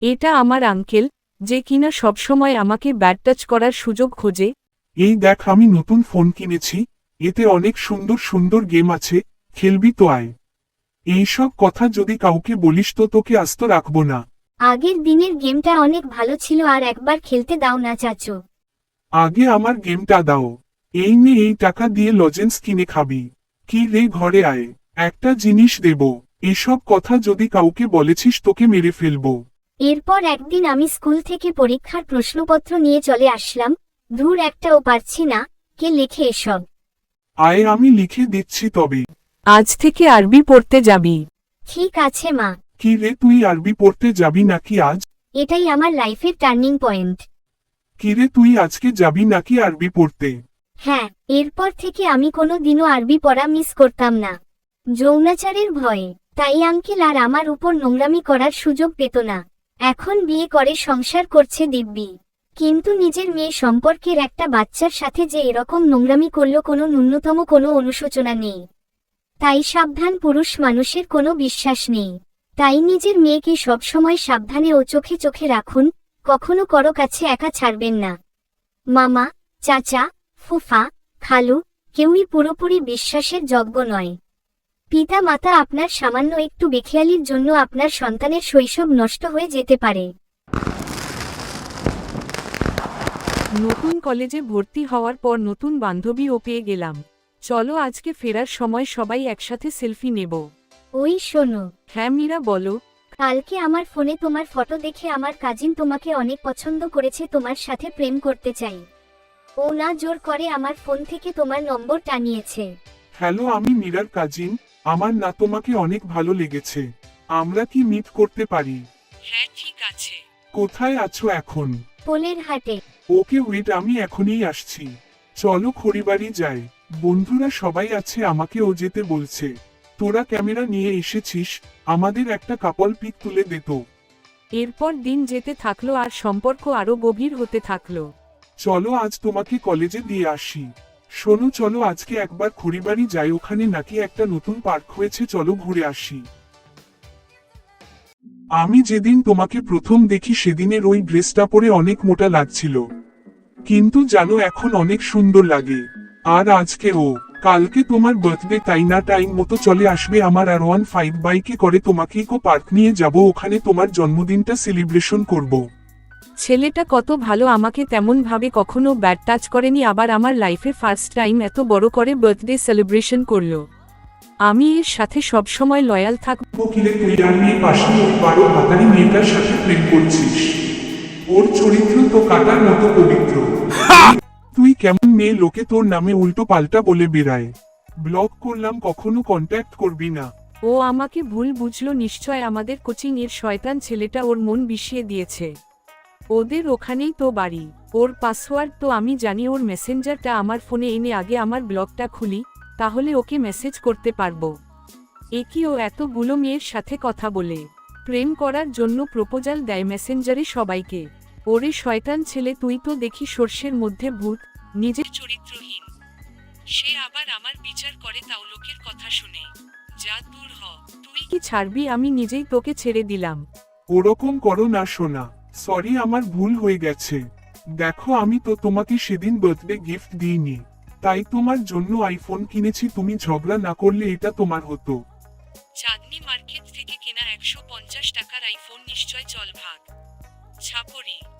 এটা আমার আঙ্কেল, যে কিনা সবসময় আমাকে ব্যাড টাচ করার সুযোগ খোঁজে। এই দেখ, আমি নতুন ফোন কিনেছি, এতে অনেক সুন্দর সুন্দর গেম আছে, খেলবি তো আয়। এইসব কথা যদি কাউকে বলিস তো তোকে আস্ত রাখবো না। আগের দিনের গেমটা অনেক ভালো ছিল, আর একবার খেলতে দাও না চাচু। আগে আমার গেমটা দাও। এই নে, এই টাকা দিয়ে লজেন্স কিনে খাবি। কি রে, ঘরে আয়, একটা জিনিস দেব। এসব কথা যদি কাউকে বলেছিস তোকে মেরে ফেলবো। এরপর একদিন আমি স্কুল থেকে পরীক্ষার প্রশ্নপত্র নিয়ে চলে আসলাম। ধুর, একটাও পারছি না, কে লেখে এসব? আয়, আমি লিখে দিচ্ছি তবে। আজ থেকে আরবি পড়তে যাবি। ঠিক আছে মা। কি রে, তুই আরবি পড়তে যাবি নাকি আজ? এটাই আমার লাইফের টার্নিং পয়েন্ট। কি রে, তুই আজকে যাবি নাকি আরবি পড়তে? হ্যাঁ, এরপর থেকে আমি কোনো দিনও আরবি পড়া মিস করতাম না, যৌনাচারের ভয়ে। তাই আঙ্কেল আর আমার উপর নোংরামি করার সুযোগ পেত না। এখন বিয়ে করে সংসার করছে দিব্যি, কিন্তু নিজের মেয়ে সম্পর্কের একটা বাচ্চার সাথে যে এরকম নোংরামি করল, কোনো ন্যূনতম কোনো অনুশোচনা নেই। তাই সাবধান, পুরুষ মানুষের কোনো বিশ্বাস নেই। তাই নিজের মেয়েকে সবসময় সাবধানে ও চোখে চোখে রাখুন, কখনো কারো কাছে একা ছাড়বেন না। মামা, চাচা, ফুফা, খালু, কেউই পুরোপুরি বিশ্বাসের যোগ্য নয়। পিতা মাতা আপনার সামান্য একটু বেখেয়ালির জন্য আপনার সন্তানের শৈশব নষ্ট হয়ে যেতে পারে। নতুন কলেজে ভর্তি হওয়ার পর নতুন বান্ধবীও পেয়ে গেলাম। চলো আজকে ফেরার সময় সবাই একসাথে সেলফি নেব। ওই শোনো, হ্যাঁ মীরা, বলো। কালকে আমার ফোনে তোমার ফটো দেখে আমার কাজিন তোমাকে অনেক পছন্দ করেছে, তোমার সাথে প্রেম করতে চাই। ও না জোর করে আমার ফোন থেকে তোমার নম্বর টানিয়েছে। হ্যালো, আমি মীরার কাজিন। আমার না তোমাকে অনেক ভালো লেগেছে। আমরা কি মিট করতে পারি? হ্যাঁ ঠিক আছে। কোথায় আছো এখন? পোলের হাটে। ওকে ওয়েট, আমি এখনই আসছি। চলো খড়িবাড়ি যাই। বন্ধুরা সবাই আছে, আমাকেও যেতে বলছে। তোরা ক্যামেরা নিয়ে এসেছিস, আমাদের একটা কাপল পিক তুলে দে তো। এরপর দিন যেতে থাকলো আর সম্পর্ক আরো গভীর হতে থাকলো। চলো আজ তোমাকে কলেজে দিয়ে আসি। শোনো, চলো আজকে একবার খড়িবাড়ি যাই, ওখানে নাকি একটা নতুন পার্ক হয়েছে, চলো ঘুরে আসি। আমি যেদিন তোমাকে প্রথম দেখি সেদিনের ওই ড্রেসটা পরে অনেক মোটা লাগছিল, কিন্তু জানো এখন অনেক সুন্দর লাগে। আর আজকে কালকে তোমার বার্থডে, তাই না? টাইম মতো চলে আসবে আমার R15 বাইকে করে, তোমাকে ইকো পার্ক নিয়ে যাব, ওখানে তোমার জন্মদিনটা সেলিব্রেশন করব। ছেলেটা কত ভালো, আমাকে তেমন ভাবে কখনো ব্যাড টাচ করেনি, আবার আমার লাইফে ফার্স্ট টাইম এত বড় করে বার্থডে সেলিব্রেশন করলো। আমি এর সাথে সবসময় লয়াল থাকব। কিরে, তুই আর মেয়ে পাশে ওই 12 হাতারি মেয়েটার সাথে প্রেম করছিস? ওর চরিত্র তো কাটার মতো পবিত্র। তুই কেমন মেয়ে, লোকে তোর নামে উল্টো পাল্টা বলে বেড়ায়। ব্লক করলাম, কখনো কন্ট্যাক্ট করবি না। ও আমাকে ভুল বুঝলো নিশ্চয়, আমাদের কোচিং এর শয়তান ছেলেটা ওর মন বিষিয়ে দিয়েছে। ওদের ওখানেই তো বাড়ি, ওর পাসওয়ার্ড তো আমি জানি, ওর মেসেঞ্জারটা আমার ফোনে এনে আগে আমার ব্লগটা খুলি, তাহলে ওকে মেসেজ করতে পারবো। একই ও এতগুলো মেয়ের সাথে কথা বলে প্রেম করার জন্য প্রপোজাল দেয় মেসেঞ্জারে সবাইকে। ওরে শয়তান ছেলে, তুই তো দেখি সর্ষের মধ্যে ভূত, নিজের চরিত্রহীন। সে আবার আমার বিচার করে, তাও লোকের কথা শুনে। যা দূর হ, তুই কি ছাড়বি? আমি নিজেই তোকে ছেড়ে দিলাম। ওরকম করো না সোনা, সরি, আমার ভুল হয়ে গেছে। দেখো, আমি তো তোমাকে সেদিন বার্থডে গিফট দিইনি, তাই তোমার জন্য আইফোন কিনেছি। তুমি ঝগড়া না করলে এটা তোমার হতো। চাঁদনি মার্কেট থেকে কেনা 150 টাকার আইফোন নিশ্চয়, চল ভাগ। ছাপরি।